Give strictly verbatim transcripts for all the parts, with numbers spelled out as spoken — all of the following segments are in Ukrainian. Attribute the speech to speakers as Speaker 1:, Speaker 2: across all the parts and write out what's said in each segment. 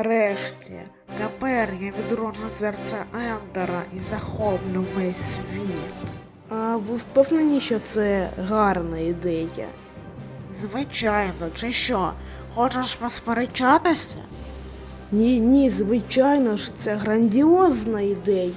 Speaker 1: Нарешті, тепер я відроджу серце Ендера і захоплю весь світ.
Speaker 2: А ви впевнені, що це гарна ідея?
Speaker 1: Звичайно, чи що? Хочеш посперечатися?
Speaker 2: Ні, ні, звичайно ж, це грандіозна ідея.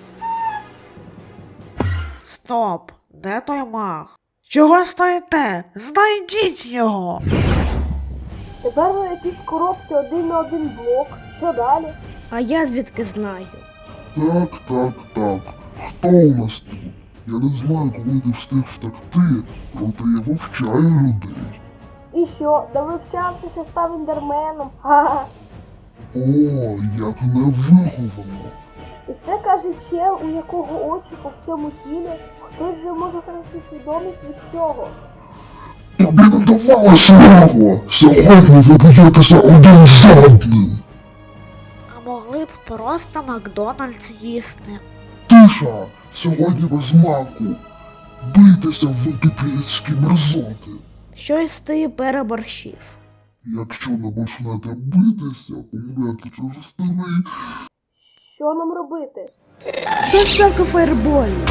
Speaker 1: Стоп! Де той маг? Чого стоїте? Знайдіть його!
Speaker 3: Тепер ви якісь коробці один на один блок. Що далі?
Speaker 2: А я звідки знаю?
Speaker 4: Так, так, так. Хто у нас тут? Я не знаю, коли ти встиг втекти, проте я вивчаю людей.
Speaker 3: І що, да вивчався, що став індерменом? Ха-ха.
Speaker 4: О, як невиховано.
Speaker 3: І це каже чел, у якого очі по всьому тілі. Хтось же може втратити свідомість від цього.
Speaker 4: Тобі не давала слава! Сьогодні ви б'єтеся один за одним.
Speaker 1: А могли б просто Макдональдс їсти.
Speaker 4: Тиша! Сьогодні без маку. Бийтеся, ви тупілецькі мерзоти.
Speaker 2: Щось ти переборщив.
Speaker 4: Якщо не почнете битися, помрете через старий.
Speaker 3: Що нам робити?
Speaker 2: Доставка фаєрболів.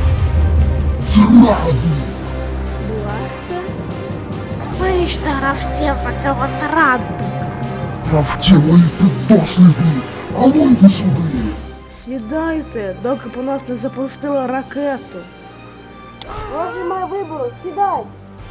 Speaker 4: Зрадні!
Speaker 2: Бласте?
Speaker 1: Знищте гравців на цього зрадника.
Speaker 4: Гравці мої піддослідні! А ну йди сюди!
Speaker 2: Сідайте, доки по нас не запустила ракету.
Speaker 3: У вас немає вибору, сідай.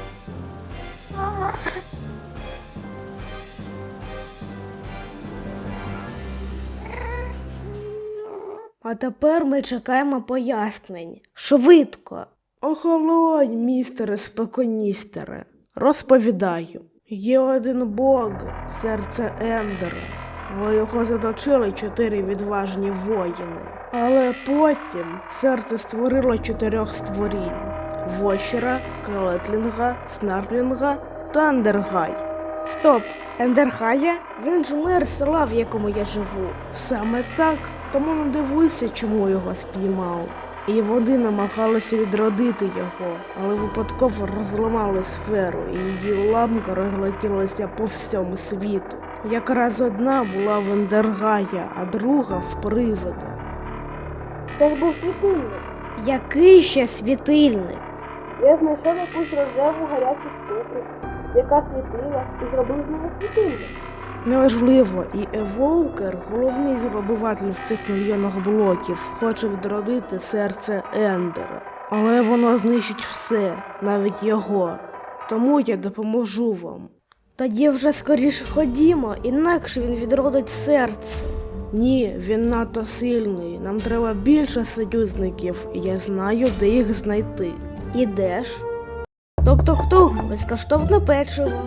Speaker 2: А тепер ми чекаємо пояснень. Швидко. Охолонь, містере споконістере. Розповідаю. Є один бог, серце Ендера, але його заточили чотири відважні воїни. Але потім серце створило чотирьох створінь: Вочера, Келетлінга, Снарклінга та Ендергая. Стоп, Ендергая? Він ж мер села, в якому я живу. Саме так, тому не дивуйся, чому його спіймали. І вони намагалися відродити його, але випадково розламали сферу, і її ламка розлетілася по всьому світу. Якраз одна була в Ендергая, а друга в Привида.
Speaker 3: Це ж був світильник.
Speaker 2: Який ще світильник?
Speaker 3: Я знайшов якусь рожеву гарячу штуку, яка світилась, і зробив з неї світильник.
Speaker 2: Неважливо, і Еволкер, головний зробиватель в цих мільйонах блоків, хоче відродити серце Ендера. Але воно знищить все, навіть його. Тому я допоможу вам. Тоді вже скоріше ходімо, інакше він відродить серце. Ні, він надто сильний, нам треба більше союзників, і я знаю, де їх знайти. Ідеш? Тук-тук-тук, безкоштовне печиво.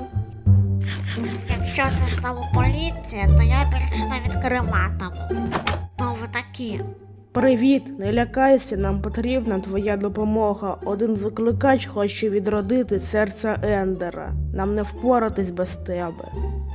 Speaker 1: Якщо це знову поліція, то я більше не відкриватиму. Хто ви такі?
Speaker 2: Привіт, не лякайся, нам потрібна твоя допомога. Один викликач хоче відродити серце Ендера. Нам не впоратись без тебе.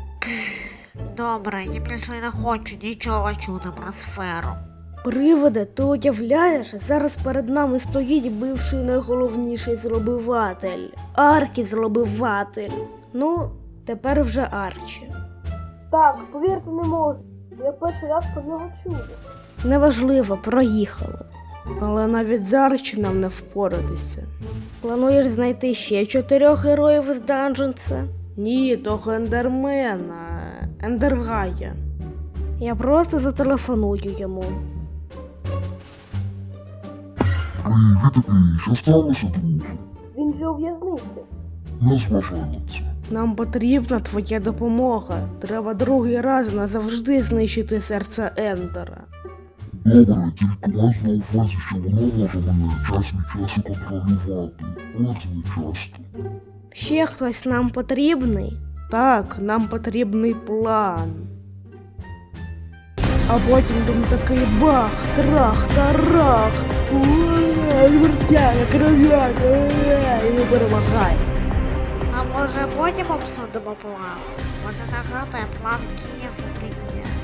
Speaker 1: Добре, я більше не хочу нічого чути про сферу.
Speaker 2: Привиде, ти уявляєш, зараз перед нами стоїть бивший найголовніший зробиватель. Аркі-зробиватель. Ну, тепер вже Арчі.
Speaker 3: Так, повірте, не можу. Я перший раз про нього чую.
Speaker 2: Неважливо, проїхали. Але навіть з Арчі нам не впоратися. Плануєш знайти ще чотирьох героїв із Данженса? Ні, того Ендермена, Ендергая. Я просто зателефоную йому.
Speaker 4: Привіт такий, що сталося, друже?
Speaker 3: Він же у в'язниці.
Speaker 4: Не зважай на це.
Speaker 2: Нам потрібна твоя допомога. Треба другий раз назавжди знищити серце Ендера.
Speaker 4: Добре, тільки май на увазі, що воно може мене час від часу контролювати. От не часто.
Speaker 2: Ще хтось нам потрібний? Так, нам потрібний план. А потім там такий бах, трах, тарах, звертяга, кров'яка, і ми перемагаємо.
Speaker 1: А може потім обсудимо план? Бо це нагадує план Київ за три дня.